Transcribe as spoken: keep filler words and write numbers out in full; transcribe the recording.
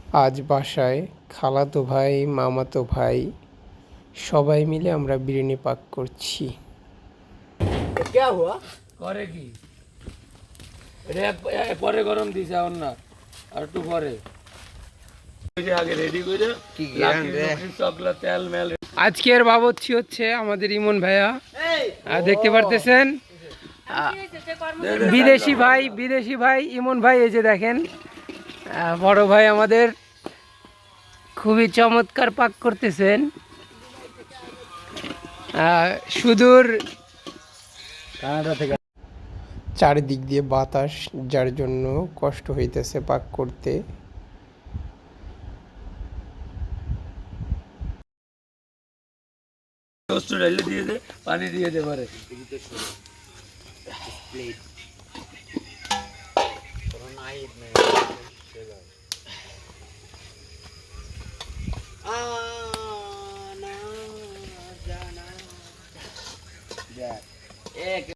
আজ বাসায় খালাতো ভাই, মামাতো ভাই সবাই মিলে আমরা বিরিয়ানি পাক করছি। क्या हुआ করে কি এটা এক- পরে গরম দিছে এখন না আর একটু পরে ওই যে আগে রেডি করে কি লাকি রে? লুকি চকলা তেল মেল আজকের বাবুর্চি হচ্ছে আমাদের ইমন ভাইয়া। আর দেখতে পারতেছেন আহ, বিদেশি ভাই বিদেশি ভাই ইমন ভাই, এই যে দেখেন আহ, বড় ভাই আমাদের খুবই চমৎকার পাক করতেছেন। আহ, সুদূর কানাডা থেকে চারিদিক দিয়ে বাতাস, যার জন্য কষ্ট হইতেছে পাক করতে। টোস্ট ঢেলে দিয়ে দে পানি দিয়ে দে পারে आना जाना